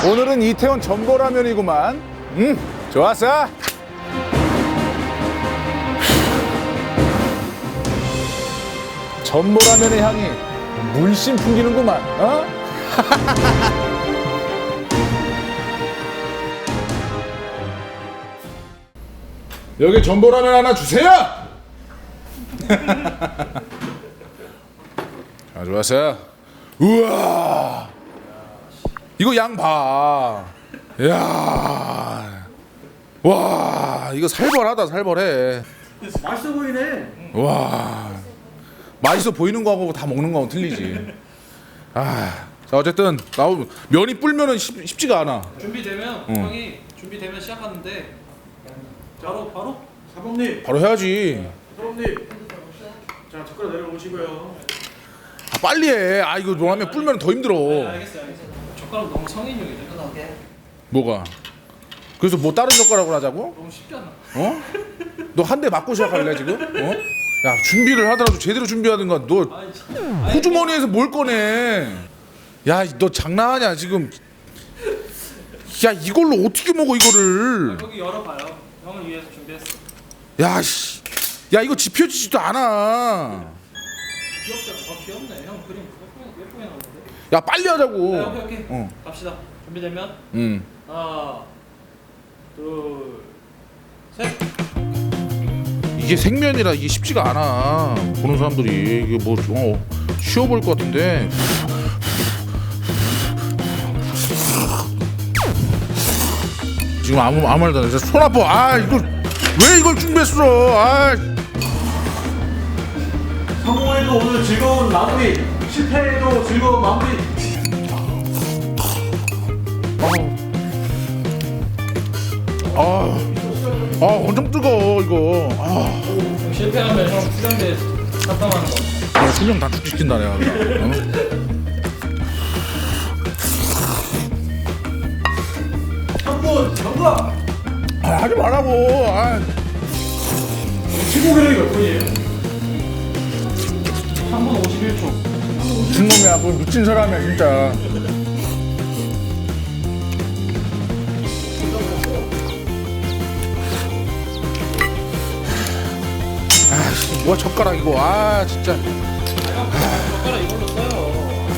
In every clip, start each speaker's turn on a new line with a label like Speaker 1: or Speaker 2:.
Speaker 1: 오늘은 이태원 전보라면이구만. 좋았어. 전보라면의 향이 물씬 풍기는구만. 어? 여기 전보라면 하나 주세요. 자, 좋았어. 우와, 이거 양 봐. 야, 와, 이거 살벌하다, 살벌해.
Speaker 2: 맛있어 보이네.
Speaker 1: 와, 맛있어 보이는 거하고 다 먹는 거하고 틀리지. 아, 자, 어쨌든 나오면 면이 불면은 쉽지가 않아.
Speaker 3: 준비되면 형이 준비되면 시작하는데 바로
Speaker 2: 사범님,
Speaker 1: 바로 해야지.
Speaker 2: 사범님. 자, 젓가락 내려오시고요.
Speaker 1: 아, 빨리 해. 아, 이거 뭐하면 불면 더 힘들어.
Speaker 3: 알겠어요. 젓가락 너무 성인용이죠.
Speaker 1: 뭐가? 그래서 뭐 다른 젓가락으로 하자고?
Speaker 3: 너무 쉽잖아.
Speaker 1: 어? 너 한 대 맞고 시작할래 지금? 어? 야, 준비를 하더라도 제대로 준비하든가. 너
Speaker 3: 아니 진짜.
Speaker 1: 호주머니에서 뭘 꺼내? 야, 너 장난하냐 지금? 야, 이걸로 어떻게 먹어 이거를?
Speaker 3: 여기 열어봐요. 형을 위해서 준비했어.
Speaker 1: 야, 씨, 야, 이거 지펴지지도 않아.
Speaker 3: 귀엽잖아. 귀엽네. 형 그림 예쁘게 나오는데.
Speaker 1: 야, 빨리 하자고.
Speaker 3: 네, 오케이.
Speaker 1: 어.
Speaker 3: 갑시다. 준비되면 하나, 둘, 셋.
Speaker 1: 이게 생면이라 이게 쉽지가 않아. 보는 사람들이 이게 뭐 쉬워 보일 것 같은데. 지금 아무 말도 안 해. 손 아파. 아, 이걸 왜 이걸 준비했어? 아,
Speaker 2: 성공해도 오늘 즐거운 마무리, 실패해도 즐거운 마무리.
Speaker 1: 엄청 뜨거워 이거.
Speaker 3: 실패하면 형 수련대 탑당하는 거.
Speaker 1: 수명 다 축시킨다 내가.
Speaker 2: 한분 정답.
Speaker 1: 하지 말라고.
Speaker 2: 최고 기록이 몇 분이에요?
Speaker 3: 3분 51초.
Speaker 1: 미친 놈이야. 뭐 미친 사람이야 진짜. 뭐야 젓가락 이거. 아, 진짜.
Speaker 3: 젓가락 이걸로 써요.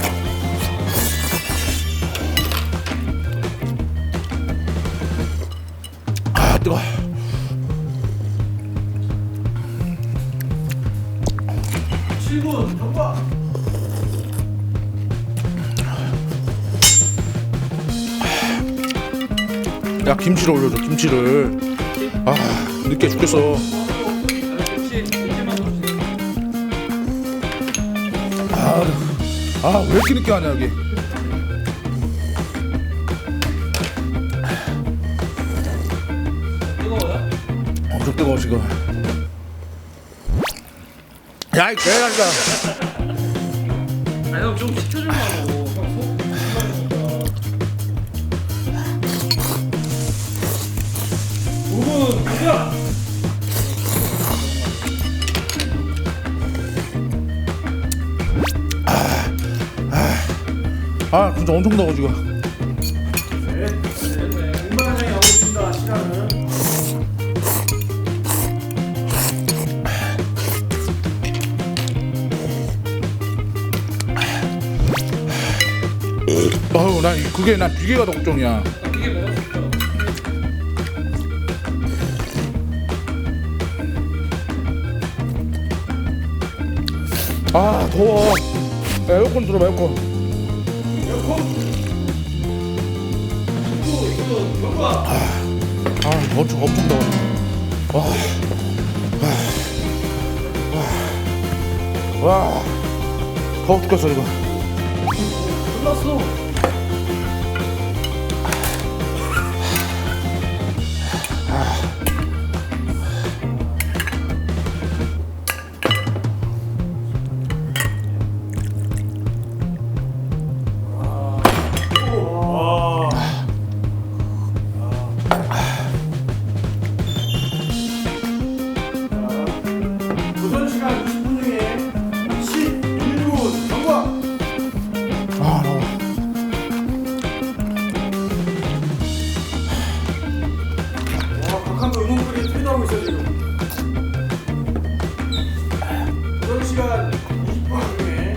Speaker 1: 아, 뜨거.
Speaker 2: 칠분 정답.
Speaker 1: 야, 김치를 올려줘. 김치를. 아, 늦게 죽겠어. 아, 왜 이렇게 늦게 하냐 여기.
Speaker 3: 뜨거워요?
Speaker 1: 엄청 뜨거워 지금. 야, 이 개라니까.
Speaker 3: 아니 형좀 시켜주려고. 형 속. 5분 가자.
Speaker 1: 아, 진짜 엄청 더워 지금.
Speaker 2: 네, 공방장이 나오고 있습니다. 시간은.
Speaker 1: 어우, 난 비계가 더 걱정이야.
Speaker 3: 이게 뭐가 좋죠?
Speaker 1: 아, 더워. 야, 에어컨 들어봐, 에어컨. 엄청 더워. 와, 더워 죽겠어 이거.
Speaker 3: 끝났어.
Speaker 2: 도전 시간 20분 중에 11분 정답.
Speaker 1: 아, 더워.
Speaker 2: 시간 20분 중에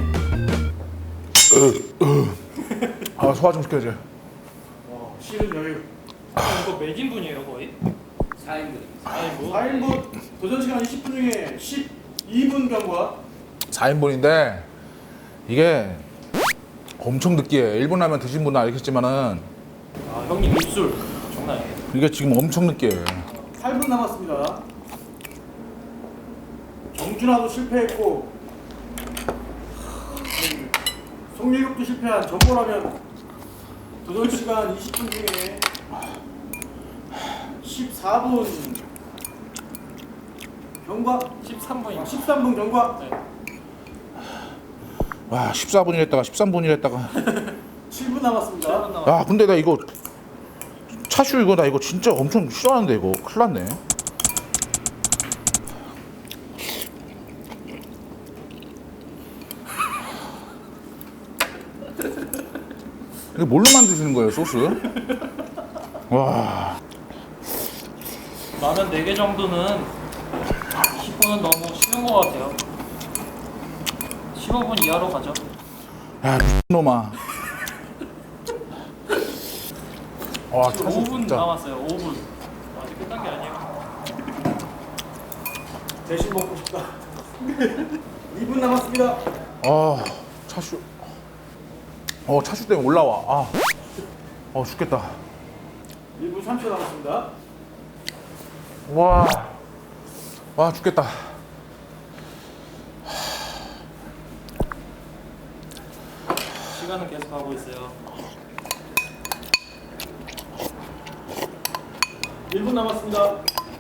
Speaker 1: 아 소화 좀 시켜야지.
Speaker 2: 쉬는 여유.
Speaker 3: 이거 몇 인분이에요 거의?
Speaker 4: 4인분.
Speaker 3: 아이고.
Speaker 2: 4인분 도전 시간 20분 중에 12분 경과.
Speaker 1: 4인분인데 이게 엄청 느끼해. 일본 라면 드신 분은 알겠지만은
Speaker 3: 아 형님 입술 장난 아니에요.
Speaker 1: 이게 지금 엄청 느끼해.
Speaker 2: 8분 남았습니다. 정준하도 실패했고 송일국도 실패한 전보라면 도전 시간 20분 중에 14분 경과.
Speaker 3: 13분이요.
Speaker 2: 13분 경과.
Speaker 3: 네.
Speaker 1: 와 14분이랬다가 13분이랬다가
Speaker 2: 7분 남았습니다.
Speaker 1: 아 근데 나 이거 차슈 이거 나 이거 진짜 엄청 싫어하는데 이거 큰일 났네. 이게 뭘로 만드시는 거예요 소스? 와
Speaker 3: 라면 4개 정도는 10분은 너무 쉬운 것 같아요. 15분 이하로 가죠.
Speaker 1: 야, 미친놈아. 와,
Speaker 3: 지금
Speaker 1: 차슈
Speaker 3: 5분
Speaker 1: 진짜.
Speaker 3: 남았어요. 5분. 아직 끝난 게 아니에요.
Speaker 2: 대신 먹고 싶다. 2분 남았습니다.
Speaker 1: 아, 차슈. 차슈 때문에 올라와. 죽겠다.
Speaker 2: 1분 3초 남았습니다.
Speaker 1: 와, 죽겠다.
Speaker 3: 시간은 계속 가고 있어요.
Speaker 2: 1분 남았습니다.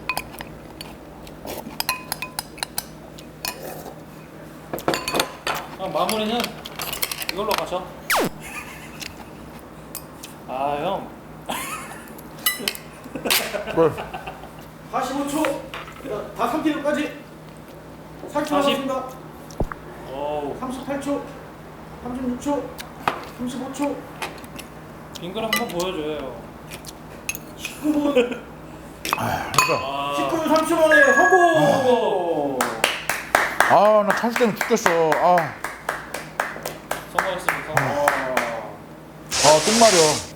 Speaker 3: 그럼 마무리는 이걸로 가죠. 아 형.
Speaker 1: 뭘?
Speaker 2: 45초. 다 3kg까지. 40초
Speaker 3: 40.
Speaker 2: 남았습니다.
Speaker 3: 어우.
Speaker 2: 38초. 36초. 35초.
Speaker 3: 빙글 한번 보여줘요.
Speaker 2: 19분.
Speaker 3: 아.
Speaker 2: 19분 3초 만에 성공.
Speaker 1: 나 차슈 때문에 죽겠어.
Speaker 3: 성공했습니다.
Speaker 1: 똥 마려.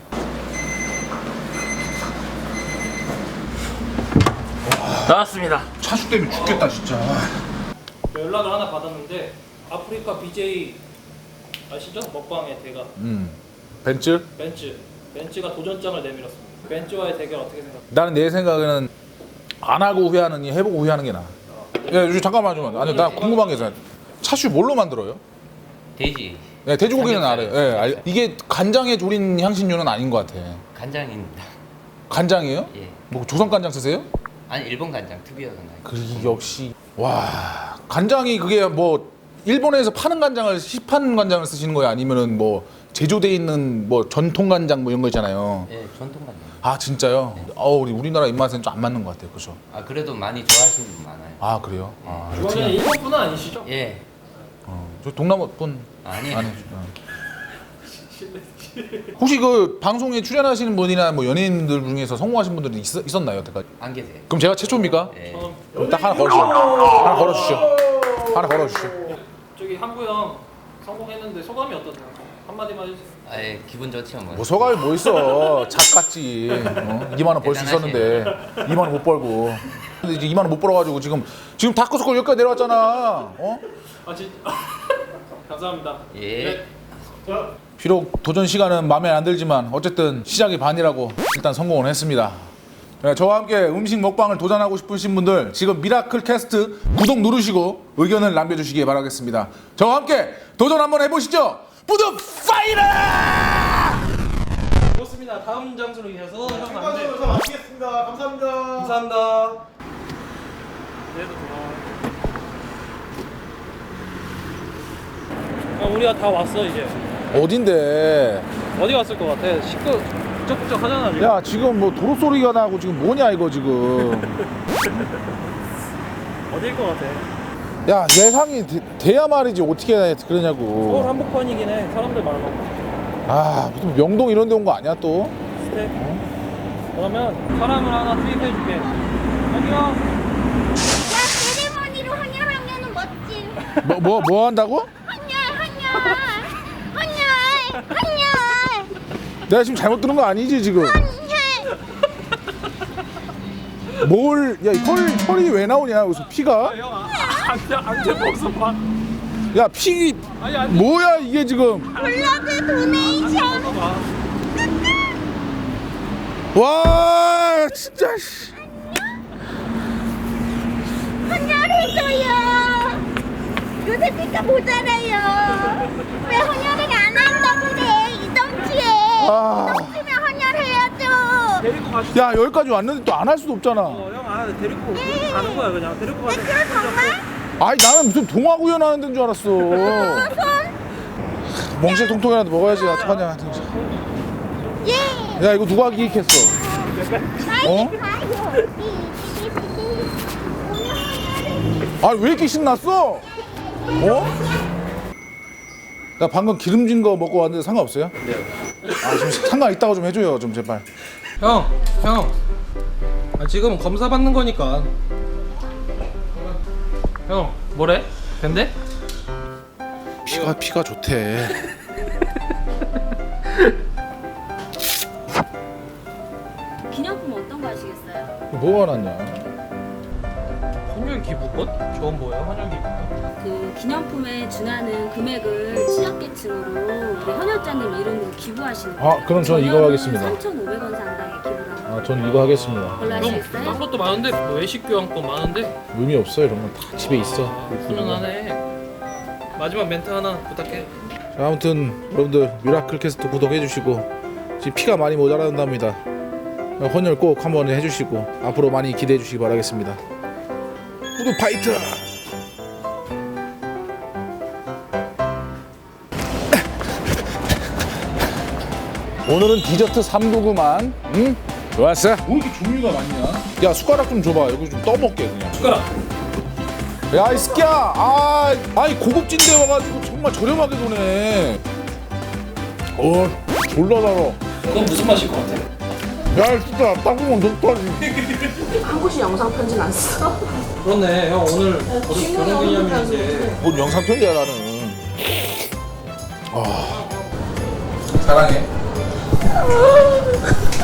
Speaker 3: 나왔습니다.
Speaker 1: 차슈 때문에 죽겠다, 진짜.
Speaker 3: 연락을 하나 받았는데 아프리카 BJ 아시죠? 먹방의 대가
Speaker 1: 벤츠?
Speaker 3: 벤츠가 도전장을 내밀었습니다. 벤츠와의 대결 어떻게 생각해요?
Speaker 1: 나는 내 생각에는 안 하고 후회하느니 해보고 후회하는 게 나아. 야, 잠깐만 좀. 아니, 나 궁금한 게 있어요. 차슈 뭘로 만들어요?
Speaker 4: 돼지.
Speaker 1: 네, 돼지고기는
Speaker 4: 삼겹살.
Speaker 1: 알아요. 예, 이게 간장에 졸인 향신료는 아닌 것 같아.
Speaker 4: 간장입니다.
Speaker 1: 간장이에요?
Speaker 4: 예.
Speaker 1: 뭐 조선 간장 쓰세요?
Speaker 4: 아니 일본 간장 특이한 간장.
Speaker 1: 그 역시 와 간장이 그게 뭐 일본에서 파는 간장을 시판 간장을 쓰시는 거예요? 아니면은 뭐 제조돼 있는 뭐 전통 간장 뭐 이런 거 있잖아요.
Speaker 4: 예, 전통 간장.
Speaker 1: 아 진짜요? 우리나라 입맛에는 좀 안 맞는 것 같아요, 그죠?
Speaker 4: 아 그래도 많이 좋아하시는 분 많아요.
Speaker 1: 아 그래요?
Speaker 3: 이거는 일본 분은 아니시죠?
Speaker 4: 예.
Speaker 1: 저 동남아 분
Speaker 4: 아니에요.
Speaker 1: 혹시 그 방송에 출연하시는 분이나 뭐 연예인들 중에서 성공하신 분들이 있었나요, 여태까지?
Speaker 4: 안 계세요.
Speaker 1: 그럼 제가 최초입니까?
Speaker 4: 예.
Speaker 3: 저는
Speaker 1: 딱 하나 걸으시죠. 하나 걸어주시죠. 하나 걸어주시죠.
Speaker 3: 저기 한구 형 성공했는데 소감이 어떠세요? 한마디만 해주세요.
Speaker 4: 아예 기분 좋죠 뭐.
Speaker 1: 뭐 소감이 뭐 있어? 작같지. 2만 원 벌 수 있었는데 2만 원 못 벌고. 근데 이제 2만 원 못 벌어가지고 지금 다크서클 여기까지 내려왔잖아.
Speaker 3: 아 진짜 감사합니다.
Speaker 4: 예.
Speaker 3: 네.
Speaker 2: 자,
Speaker 1: 비록 도전 시간은 마음에 안 들지만 어쨌든 시작이 반이라고 일단 성공을 했습니다. 네, 저와 함께 음식 먹방을 도전하고 싶으신 분들 지금 미라클 캐스트 구독 누르시고 의견을 남겨주시기 바라겠습니다. 저와 함께 도전 한번 해보시죠. 부드 파이터!
Speaker 3: 좋습니다. 다음 장소로 이어서 형 안돼.
Speaker 2: 출발해서 마치겠습니다. 감사합니다.
Speaker 3: 감사합니다. 그래도 고마워. 우리가 다 왔어 이제.
Speaker 1: 어딘데?
Speaker 3: 어디 갔을 것 같아? 북적북적 하잖아 지금.
Speaker 1: 야 지금 뭐 도로 소리가 나고 지금 뭐냐 이거 지금.
Speaker 3: 어디일 것 같아?
Speaker 1: 야 예상이 돼야 말이지 어떻게
Speaker 3: 서울
Speaker 1: 그러냐고.
Speaker 3: 한복판이긴 해. 사람들 많아.
Speaker 1: 무슨 명동 이런 데 온 거 아니야 또?
Speaker 3: 스텝. 그러면 사람을 하나 투입해줄게. 여기요.
Speaker 5: 야, 세리머니로 헌혈하면 멋짐.
Speaker 1: 뭐 한다고? 내가 지금 잘못 들은 거 아니지 지금? 야 혈이 왜 나오냐 여기서 피가?
Speaker 3: 안돼 벗어 봐.
Speaker 1: 야 피 뭐야 이게 지금?
Speaker 5: 블러드 도네이션.
Speaker 1: 와 진짜 씨.
Speaker 5: 헌혈해줘요. 요새 피가 모자라요. 왜 헌혈을 안 한다고 그래? 이동치에.
Speaker 1: 아.
Speaker 5: 이동치면 헌혈해야죠.
Speaker 3: 데리고 가시.
Speaker 1: 야 여기까지 왔는데 또 안 할 수도 없잖아.
Speaker 3: 형 데리고 가는 거야 그냥 데리고 가는.
Speaker 5: 그럼 정말?
Speaker 1: 아니 나는 무슨 동화구연 하는 데인 줄 알았어. 멍실 통통이라도 먹어야지 어떡하냐.
Speaker 5: 예.
Speaker 1: 야 이거 누가 기획했어? 어? 아니 왜 이렇게 신났어? 어? 나 방금 기름진 거 먹고 왔는데 상관없어요? 네. 아 좀 상관 있다고 좀 해줘요 좀 제발.
Speaker 3: 형. 지금 검사 받는 거니까. 형 뭐래? 근데?
Speaker 1: 피가 좋대.
Speaker 6: 기념품 어떤 거 하시겠어요?
Speaker 1: 뭐가 났냐?
Speaker 3: 헌혈 기부권? 저건 뭐야? 헌혈 기부권?
Speaker 6: 그 기념품에 준하는 금액을 취약계층으로 우리 헌혈자님 이름으로 기부하시는 거예요.
Speaker 1: 아, 그럼 저는 이거 하겠습니다.
Speaker 6: 3,500원 상당의 기부를 하는
Speaker 1: 아 전 이거 하겠습니다.
Speaker 6: 걸로
Speaker 3: 형
Speaker 6: 하시겠어요?
Speaker 3: 딴 것도 많은데 뭐 외식 교환권 많은데.
Speaker 1: 의미 없어요 이런 건 다 집에 있어.
Speaker 3: 훈훈하네. 마지막 멘트 하나 부탁해.
Speaker 1: 자, 아무튼 여러분들 미라클 캐스트 구독해 주시고 지금 피가 많이 모자란답니다. 헌혈 꼭 한번 해주시고 앞으로 많이 기대해 주시기 바라겠습니다. 구독 파이트! 오늘은 디저트 3도구만. 응? 좋았어? 왜 이렇게 종류가 많냐? 야 숟가락 좀 줘봐. 여기 좀 떠먹게 그냥.
Speaker 3: 숟가락.
Speaker 1: 야 이 새끼야. 아이 고급진데 와가지고 정말 저렴하게 도네. 졸라 달아.
Speaker 3: 그건 무슨 맛일 것 같아?
Speaker 1: 야 진짜 땅콩은 녹다지.
Speaker 7: 한 곳이 영상 편지는 안 써.
Speaker 3: 그렇네. 형 오늘 결혼기념일인데.
Speaker 1: 뭔 영상 편지야 나는. 사랑해.